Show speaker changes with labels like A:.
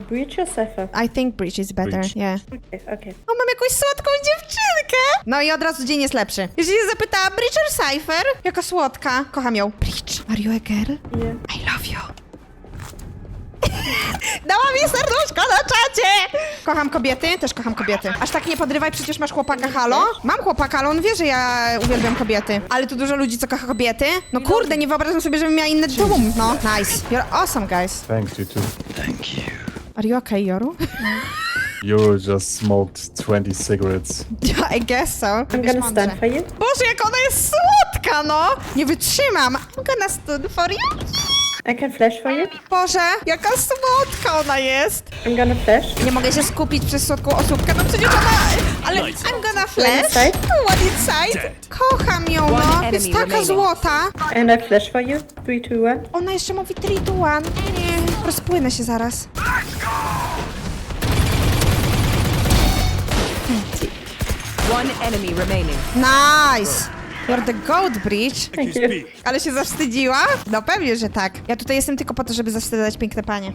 A: Breach or Cypher?
B: I think Breach is better,
C: Breach.
B: yeah.
A: Okay, okay.
B: O, mam jakąś słodką dziewczynkę! No i od razu dzień jest lepszy. Jeśli się zapytała Breach or Cypher, jaka słodka. Kocham ją. Breach, are you a girl?
A: Yeah.
B: I love you. Dała mi serduszko na czacie! Kocham kobiety, też kocham kobiety. Aż tak nie podrywaj, przecież masz chłopaka, halo? Mam chłopaka, ale on wie, że ja uwielbiam kobiety. Ale tu dużo ludzi, co kocha kobiety. No kurde, nie wyobrażam sobie, żebym miała inny dom. No, nice. You're awesome, guys.
C: Thanks, you too.
D: Thank you.
B: Are you okay, Yoru?
C: You just smoked 20 cigarettes.
B: I guess so.
A: I'm gonna stand for you.
B: Boże, jak ona jest słodka, no! Nie wytrzymam. I'm gonna stand for you.
A: I can flash for you.
B: Boże, jaka słodka ona jest.
A: I'm gonna flash.
B: Nie mogę się skupić przez słodką osóbkę, no przecież ona... Ale I'm gonna flash.
A: inside.
B: One inside. Kocham ją, no. Jest taka złota.
A: And I flash for you. 3, 2, 1.
B: Ona jeszcze mówi 3, 2, 1. Nie, rozpłynę się zaraz.
E: One enemy remaining.
B: Nice. You're the goat, Breach.
A: Thank you.
B: Ale się zawstydziła? No pewnie, że tak. Ja tutaj jestem tylko po to, żeby zawstydzać piękne panie.